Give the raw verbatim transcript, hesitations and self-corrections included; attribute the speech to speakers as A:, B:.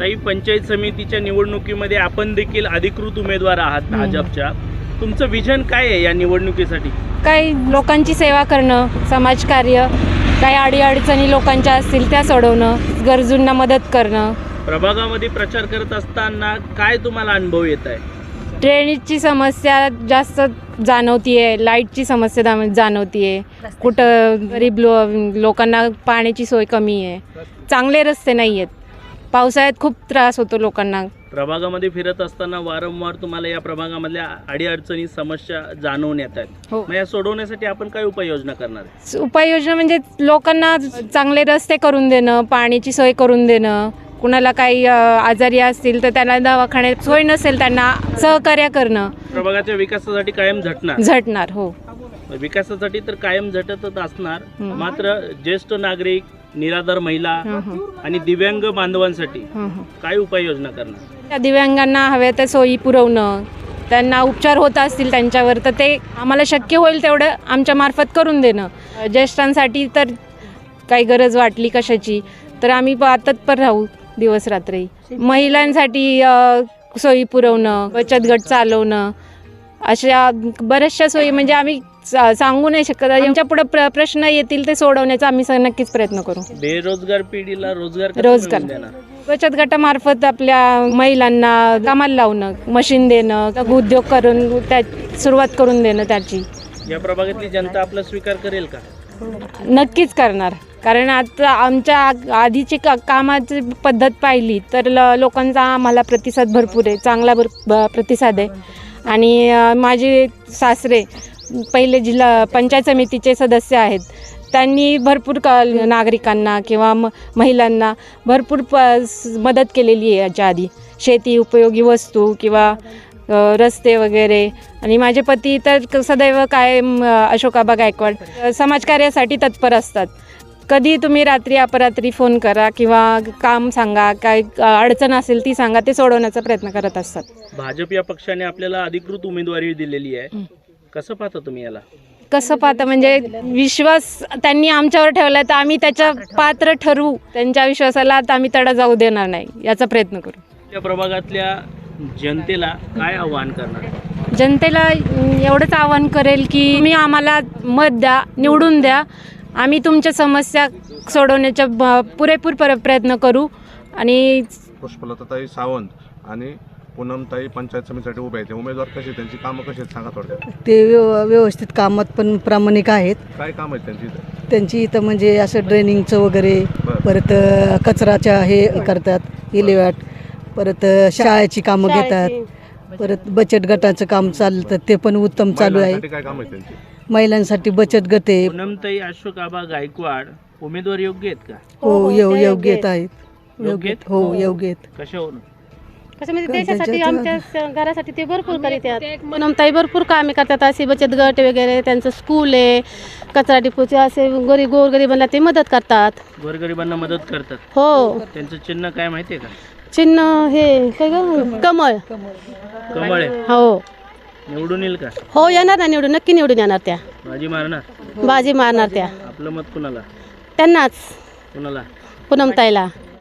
A: ताई, पंचायत समितीच्या निवडणुकीमध्ये आपण देखील अधिकृत उमेदवार आहात भाजपच्या. तुमचं विजन काय आहे या निवडणुकीसाठी?
B: काही लोकांची सेवा करणं, समाजकार्य, काही अडीअडचणी लोकांच्या असतील त्या सोडवणं, गरजूंना मदत करणं.
A: प्रभागामध्ये प्रचार करत असताना काय तुम्हाला अनुभव येत आहे?
B: ड्रेनेजची समस्या जास्त जाणवतीये, लाईटची समस्या दा- जाणवतीये, कुठं गरीब लो लोकांना पाण्याची सोय कमी आहे, चांगले रस्ते नाही आहेत, पावसाळ्यात खूप त्रास होतो लोकांना.
A: प्रभागामध्ये फिरत असताना वारंवार तुम्हाला या प्रभागामधल्या अडीअडचणी समस्या जाणवून येत आहेत.
B: हो.
A: मग या सोडवण्यासाठी आपण काय उपाययोजना करणार आहे?
B: उपाययोजना म्हणजे लोकांना चांगले रस्ते करून देणं, पाण्याची सोय करून देणं, कुणाला काही अ, आजारी असतील तर त्यांना दवाखान्यात सोय नसेल त्यांना सहकार्य करणं.
A: प्रभागाच्या विकासासाठी कायम झटणार
B: झटणार. हो.
A: विकासासाठी तर कायम झटतच असणार.
B: हं.
A: मात्र ज्येष्ठ नागरिक, निराधार महिला
B: हं, हं.
A: आणि दिव्यांग बांधवांसाठी
B: हं, हं.
A: काय उपाययोजना करणार?
B: त्या दिव्यांगांना हव्या त्या सोयी पुरवणं, त्यांना उपचार होत असतील त्यांच्यावर तर ते आम्हाला शक्य होईल तेवढं आमच्या मार्फत करून देणं. ज्येष्ठांसाठी तर काही गरज वाटली कशाची तर आम्ही प- तत्पर राहू दिवस रात्री. महिलांसाठी अ, सोयी पुरवणं, बचत गट चालवणं, अशा बऱ्याचशा सोयी म्हणजे आम्ही सा- सांगू नाही शकत. आमच्या पुढे प्र प्रश्न येतील ते सोडवण्याचा आम्ही स- नक्कीच प्रयत्न करू.
A: बेरोजगार पिढीला रोजगार कसं
B: रोजगार.
A: मिळवून देणार?
B: बचत गटामार्फत आपल्या महिलांना कामाला लावणं, मशीन देणं, उद्योग करून त्या सुरुवात करून देणं त्याची.
A: या प्रभागातली जनता आपला स्वीकार करेल का?
B: नक्कीच करणार. कारण आता आमच्या आधीची का कामाची पद्धत पाहिली तर ल लोकांचा आम्हाला प्रतिसाद भरपूर आहे, चांगला भर ब- प्रतिसाद आहे. आणि अ, माझे सासरे पहिले जिल्हा पंचायत समितीचे सदस्य आहेत. त्यांनी भरपूर क नागरिकांना किंवा म महिलांना भरपूर प स- मदत केलेली आहे याच्या आधी. शेती उपयोगी वस्तू किंवा अ, रस्ते वगैरे. आणि माझे पती तर क- सदैव कायम अ, अशोकाबा गायकवाड अ, समाजकार्यासाठी तत्पर असतात. कधी तुम्ही रात्री अपरात्री फोन करा किंवा काम सांगा, काय अ, अडचण असेल ती सांगा, ते सोडवण्याचा प्रयत्न करत असतात.
A: भाजप या पक्षाने आपल्याला अधिकृत उमेदवारी दिलेली आहे. कसं पाहता तुम्ही याला?
B: कसं पाहता म्हणजे विश्वास त्यांनी आमच्यावर ठेवला तर आम्ही त्याच्या पात्र ठरवू. त्यांच्या विश्वासाला आता आम्ही तडा जाऊ देणार नाही याचा प्रयत्न करू.
A: त्या प्रभागातल्या जनतेला काय आव्हान करणार?
B: जनतेला अं, एवढंच आवाहन करेल की तुम्ही आम्हाला मत द्या, निवडून द्या. आम्ही तुमच्या समस्या सोडवण्याचा ब- पुरेपूर पर प्रयत्न करू. आणि
C: पुष्पलताताई सावंत आणि पूनमताई पंचायत समितीसाठी उभे आहेत. उमेदवार कसे आहेत, त्यांची कामं कशी आहेत सांगा थोडक्यात.
D: ते व्यव व्यवस्थित कामात पण प्रामाणिक आहेत.
C: काय काम आहेत त्यांची इथं?
D: त्यांची इथं म्हणजे असं ड्रेनिंगचं वगैरे,
C: बरं.
D: परत अ, कचराच्या हे करतात, विल्हेवाट, परत अ, शाळेची कामं घेतात, परत बचत गटाचं काम चालतं ते पण उत्तम चालू आहे.
C: महिलांसाठी काय काम आहेत त्यांची?
D: महिलांसाठी बचत गट आहे.
A: पूनमताई अशोकाबा गायकवाड उमेदवार योग्य आहेत का?
D: हो योग्य योग्य आहेत.
A: योग्य
D: योग्य
A: आहेत?
D: हो योग्य आहेत.
A: कशावरून?
E: कसं म्हणजे
D: त्याच्यात-
E: देशासाठी आमच्या घरासाठी ते भरपूर करीतात. पूनमताई भरपूर कामे करतात. असे बचत गट वगैरे, त्यांचं स्कूल आहे, कचरा डिपोचे असे गरीब गोरगरिबांना ते मदत करतात.
A: गोरगरिबांना मदत करतात.
E: हो.
A: त्यांचं चिन्ह काय माहितीये का?
E: चिन्ह हे काय ग कमळ.
A: कमळ आहे.
E: हो
A: निवडून येईल का?
E: हो येणार ना, निवडून नक्की निवडून येणार त्या.
A: बाजी मारणार?
E: बाजी मारणार त्या.
A: आपलं मत कुणाला?
E: त्यांनाच
A: कुणाला?
E: पूनमताईला.